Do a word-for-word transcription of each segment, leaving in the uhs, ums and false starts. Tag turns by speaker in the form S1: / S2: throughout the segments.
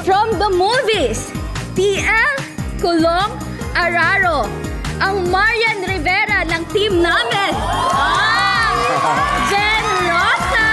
S1: From the movies, T L Kulong Araro, ang Marian Rivera ng team namin. Ah, Jen Rosa.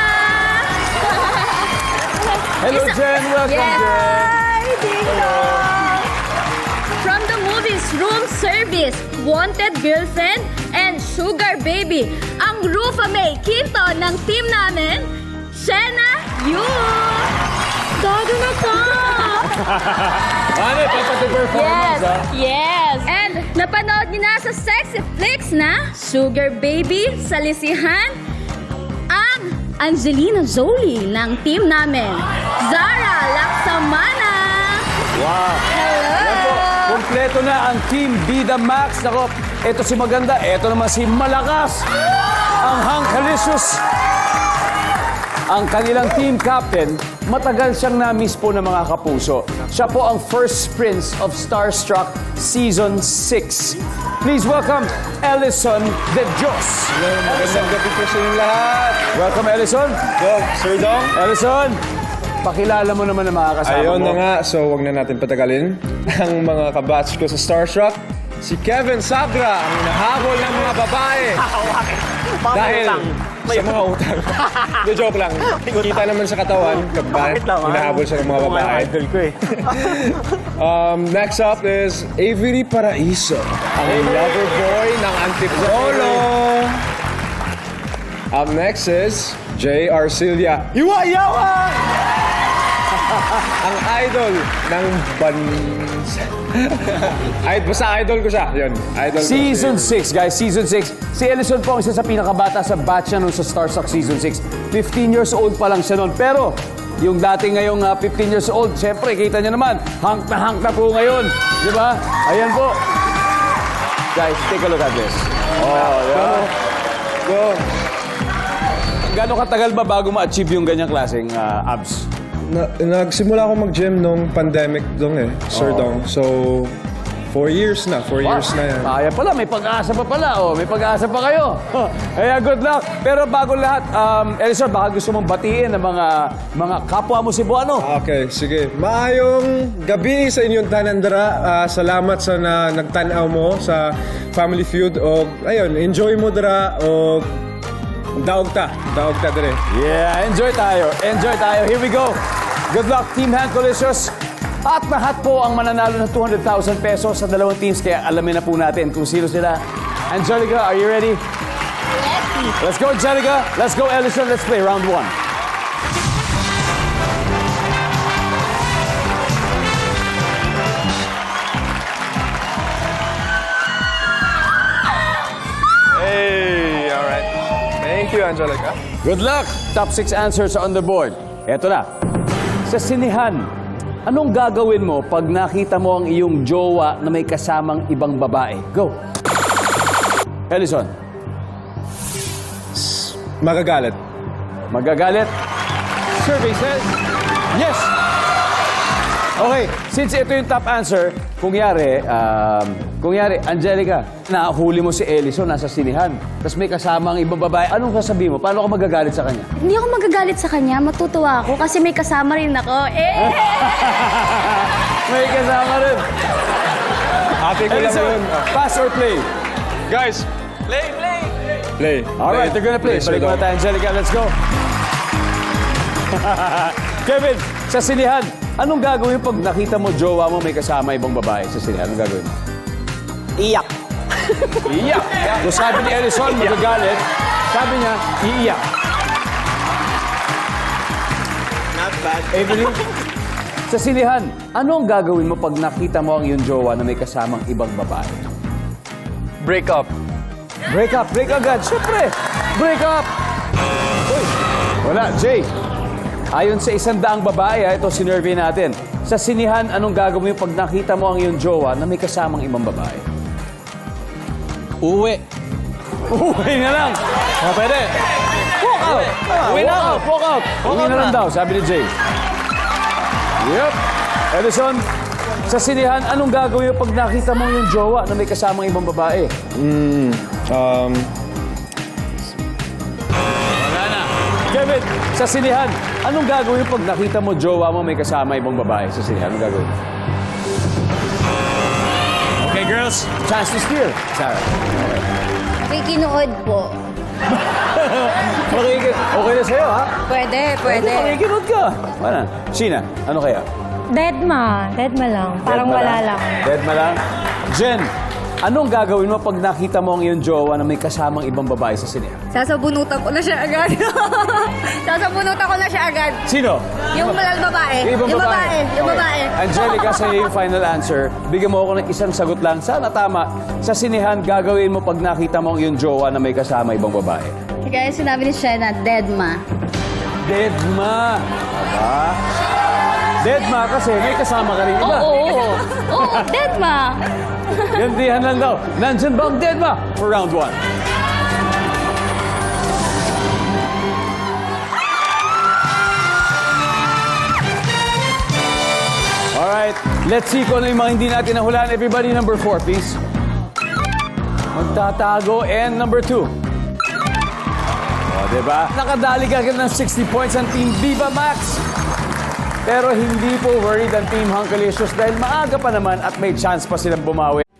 S2: Hello,
S1: Isa-
S2: Jen. Welcome,
S1: Yeah.
S2: Jen.
S1: Hi, Ding Dong. From the movies, Room Service, Wanted Girlfriend, and Sugar Baby, ang Rufa May Quinto ng team namin, Shena Yu. Dado na ka!
S2: Ano, papati performance, ha?
S1: Yes! And napanood niyo na sa Sexy Flicks na Sugar Baby, Salisihan, ang Angelina Jolie ng team namin, Zara Laksamana.
S2: Wow.
S1: Hello!
S2: Yan po, kompleto na ang Team Bida Max. Nako, eto si Maganda, eto naman si Malakas. Ang Hangkalicious. Ang kanilang team captain, matagal siyang na-miss po ng mga kapuso. Siya po ang first prince of Starstruck Season six. Please welcome Ellison De Dios.
S3: Magandang gabi po sa inyong lahat.
S2: Welcome, Ellison.
S3: Go, Sir Dong.
S2: Ellison, pakilala mo naman ang mga kasama
S3: Ayun
S2: mo.
S3: na nga, so wag na natin patagalin. Ang mga kabatch ko sa Starstruck, si Kevin Sabra, ang hinahabol ng mga babae. Dahil sa mga utang. The joke lang. Kita naman sa katawan, kapag hinahabol siya ng mga babae.
S4: Idol ko eh.
S3: Um, next up is Avery Paraiso, ang lover boy ng Antipolo. Up next is J. Arcilia. Iwa-yawa! Ang idol ng bansa. Ay, basta idol ko siya. Yun, idol ko.
S2: Season six, guys. Season six. Si Ellison po ang isa sa pinakabata sa batch na nun sa Starstruck Season six. fifteen years old pa lang siya nun. Pero, yung dati ngayong uh, fifteen years old, syempre, kita niyo naman, hank na hank na po ngayon. Di ba? Ayan po. Guys, take a look at this. Oh, yeah.
S3: Go.
S2: Gano'ng katagal ba bago ma-achieve yung ganyang klaseng uh, abs?
S3: Na, nagsimula ako mag-gym nung pandemic dong eh, Sir
S2: Oo.
S3: Dong. So, four years na. Four years na yan.
S2: Kaya pala, may pag-asa pa pala. Oh, may pag-asa pa kayo. Kaya good luck. Pero bago lahat, um, Ellison, baka gusto mong batiin ng mga mga kapwa mo Cebuano.
S3: Okay, sige. Maayong gabi sa inyong tanandara. Ah, salamat sa na, nagtanaw mo sa Family Feud. O, ayun, enjoy mo dara. O, daog ta. Daog ta dere.
S2: Yeah, enjoy tayo. Enjoy tayo. Here we go. Good luck, Team Hangkalicious. At lahat po ang mananalo ng two hundred thousand pesos sa dalawang teams. Kaya alamin na po natin kung sino sila. Angelica, are you ready? Ready. Let's go, Angelica. Let's go, Ellison. Let's play round one.
S3: Hey, alright. Thank you, Angelica.
S2: Good luck! Top six answers are on the board. Eto na. Sa sinihan, anong gagawin mo pag nakita mo ang iyong jowa na may kasamang ibang babae? Go! Ellison,
S3: Magagalit.
S2: magagalit? Survey says, yes! Okay, since ito yung top answer, kung yari, um, kung yari, Angelica, nahuli mo si Ellison, nasa sinihan, tapos may kasama ang ibang babae, anong sasabihin mo? Paano ka magagalit sa kanya?
S1: Hindi ako magagalit sa kanya, matutuwa ako kasi may kasama rin ako. Eh!
S2: May kasama rin.
S3: Ate ko lang
S2: Ellison,
S3: yun.
S2: pass or play?
S3: Guys, play, play. Play.
S2: All right, they're gonna play.
S3: Sir
S2: Balik muna
S3: Dong.
S2: tayo, Angelica. Let's go. Kevin, sa sinihan, anong gagawin pag nakita mo jowa mo may kasama ibang babae sa sinihan? Anong gagawin mo?
S4: Iyak.
S2: Iiyak. Kung sabi ni Ellison, magagalit, sabi niya, iiyak.
S4: Not bad.
S2: Evelyn, sa sinihan, anong gagawin mo pag nakita mo ang iyong jowa na may kasamang ibang babae?
S3: Break up.
S2: Break up, break agad. Siyempre, break up. Uy, wala, Jay. Ayon sa isang daang babae, ha, ito sinurvey natin. Sa sinihan, anong gagawin mo pag nakita mo ang iyong jowa na may kasamang ibang babae?
S4: Uwi.
S2: Uwi na lang. O, pwede. Walk out. Uwi na out. Walk out. Uwi na lang daw, sabi ni Jay. Yep. Edison, sa sinihan, anong gagawin mo pag nakita mo yung jowa na may kasamang ibang babae?
S3: Mm, um,
S2: Kevin, sa sinihan, Anong gagawin pag nakita mo jowa mo may kasama ibang babae sa sine? Anong gagawin? Okay, girls. Chance to steal. Sarah.
S1: Makikinood po.
S2: Makikit. Okay na sa'yo, ha?
S1: Pwede, pwede.
S2: Makikinood ka. Ano? Sina, ano kaya?
S5: Deadma. Deadma lang. Parang
S2: Deadma
S5: wala lang.
S2: Deadma lang? Jen, anong gagawin mo pag nakita mo ang iyong jowa na may kasamang ibang babae sa sine?
S1: Sasabunutan ko na siya agad. Sasabunutan ko na siya agad.
S2: Sino?
S1: Yung malal babae.
S2: Yung ibang
S1: Yung babae. Yung
S2: Okay.
S1: babae.
S2: Angelica, sa iyo yung final answer. Bigyan mo ako ng isang sagot lang. Sana tama. Sa sinehan, gagawin mo pag nakita mo ang iyong jowa na may kasama ibang babae.
S1: Kaya sinabi ni Shena, Deadma.
S2: Deadma. Aba? Deadma kasi may kasama ka rin iba.
S1: Oo, oo. Oo, Deadma.
S2: Gandihan lang daw. Nandyan ba ang Deadma for round one? Alright, let's see kung ano yung mga hindi natin nahulaan. Everybody, number four, please. Magtatago. And number two. O, diba? Nakadali ka ng sixty points ang Team Viva Max. Pero hindi po worried ang Team Hunkalicious dahil maaga pa naman at may chance pa silang bumawi.